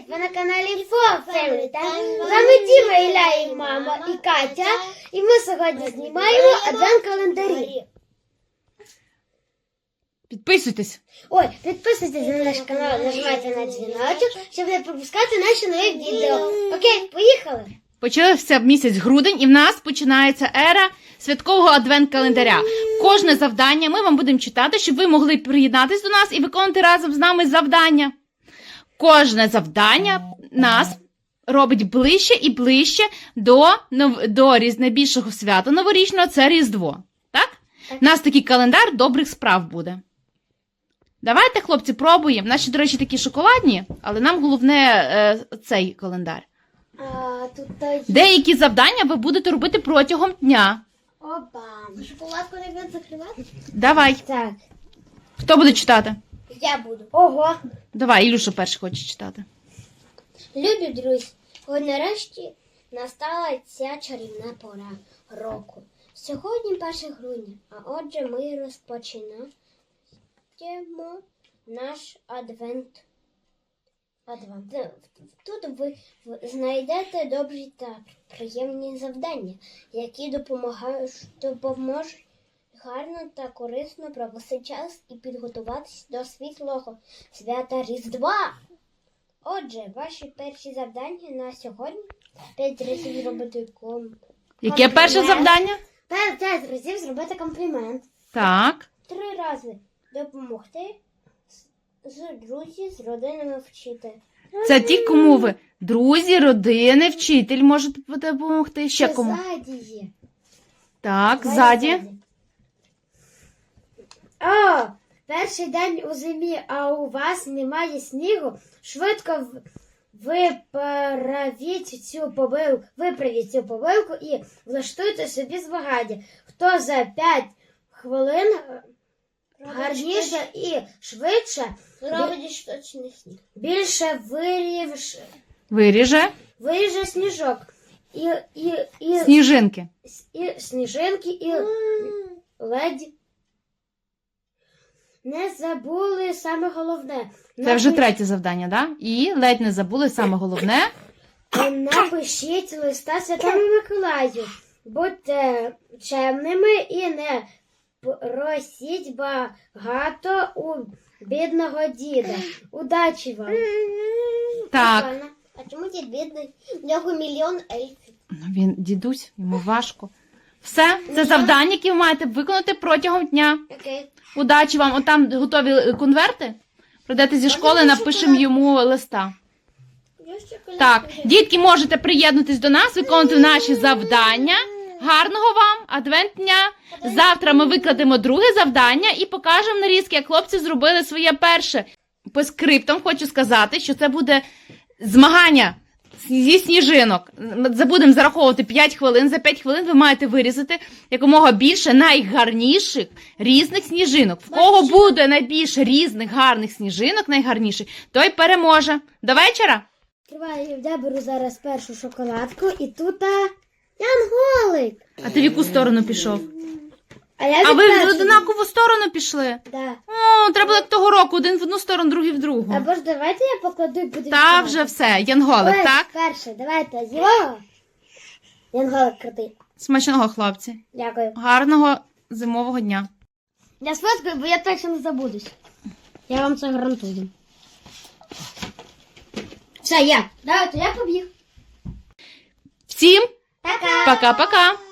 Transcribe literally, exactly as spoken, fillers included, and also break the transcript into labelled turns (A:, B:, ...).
A: Ви на каналі Фо Family Time. З вами Діма, Ілля і мама, і Катя. І ми сьогодні знімаємо адвент-календарі.
B: Підписуйтесь.
A: Ой, підписуйтесь на наш канал, нажимайте на дзвіночок, щоб не пропускати наші нові відео. Окей, поїхали!
B: Почався місяць грудень, і в нас починається ера святкового адвент-календаря. Кожне завдання ми вам будемо читати, щоб ви могли приєднатися до нас і виконувати разом з нами завдання. Кожне завдання нас робить ближче і ближче до, до найбільшого свята новорічного – це Різдво. Так? Так. У нас такий календар добрих справ буде. Давайте, хлопці, пробуємо. Наші, до речі, такі шоколадні, але нам головне е, цей календар.
A: А, тут є...
B: Деякі завдання ви будете робити протягом дня.
A: Опа. Шоколадку не будемо закривати?
B: Давай.
A: Так.
B: Хто буде читати?
A: Я буду. Ого.
B: Давай, Ілюша перший хоче читати.
A: Любі друзі, ось нарешті настала ця чарівна пора року. Сьогодні перше грудня, а отже ми розпочинаємо наш адвент. адвент. Тут ви знайдете добрі та приємні завдання, які допомагають, допоможуть гарно та корисно провести час і підготуватись до світлого свята Різдва. Отже, ваші перші завдання на сьогодні – п'ять разів зробити ком...
B: Яке перше завдання?
A: П'ять разів зробити комплімент.
B: Так.
A: Три рази допомогти з друзі, з родинами вчити.
B: Це ті, кому ви друзі, родини, вчитель можуть допомогти. Ще
A: Це
B: кому?
A: ззаді є.
B: Так,
A: Давай
B: ззаді.
A: О, перший день у зимі, а у вас немає снігу. Швидко в- виправіть цю помилку, виправіть цю помилку і влаштуйте собі змагання. Хто за п'ять хвилин гарніше і швидше робить точний сніг. Більше вирівш...
B: Виріже.
A: виріже сніжок. І, і, і,
B: Сніжинки.
A: і сніжинки, і ледь. Не забули саме головне.
B: Це вже третє завдання, так? Да? І ледь не забули саме головне.
A: Напишіть листа Святому Миколаю. Будьте чемними і не просіть багато у бідного діда. Удачі вам.
B: Так.
A: Прикольно. А чому дід бідний? В нього мільйон ельфів.
B: Ну, він дідусь, йому важко. Все, це завдання, які ви маєте виконати протягом дня.
A: Окей.
B: Удачі вам. Отам готові конверти. Прийдете зі школи,
A: Можна
B: напишемо
A: шоколад?
B: йому листа.
A: Я ще коли-
B: Так, дітки, можете приєднатись до нас, виконувати наші завдання. Гарного вам адвент дня. Завтра ми викладемо друге завдання і покажемо нарізки, як хлопці зробили своє перше. По скриптам хочу сказати, що це буде змагання зі сніжинок. Ми будемо зараховувати п'ять хвилин. За п'ять хвилин ви маєте вирізати якомога більше найгарніших різних сніжинок. В кого буде найбільше різних гарних сніжинок, найгарніших, той переможе. До вечора!
A: Відкриваю, я беру зараз першу шоколадку і тут а, янголик.
B: А ти в яку сторону пішов?
A: А, я
B: А
A: від
B: ви в
A: першої.
B: однакову сторону пішли?
A: Да.
B: О, треба як того року, один в одну сторону, другий в другу.
A: Або ж давайте я покладу і буду
B: Та
A: відкривати.
B: вже все, янголик,
A: Ось,
B: так?
A: перше, давайте його. Янголик крутий.
B: Смачного, хлопці.
A: Дякую.
B: Гарного зимового дня.
A: Я сфоткаю, бо я точно не забудусь. Я вам це гарантую. Все, я. Давайте, я побіг.
B: Всім
A: Пока.
B: пока-пока.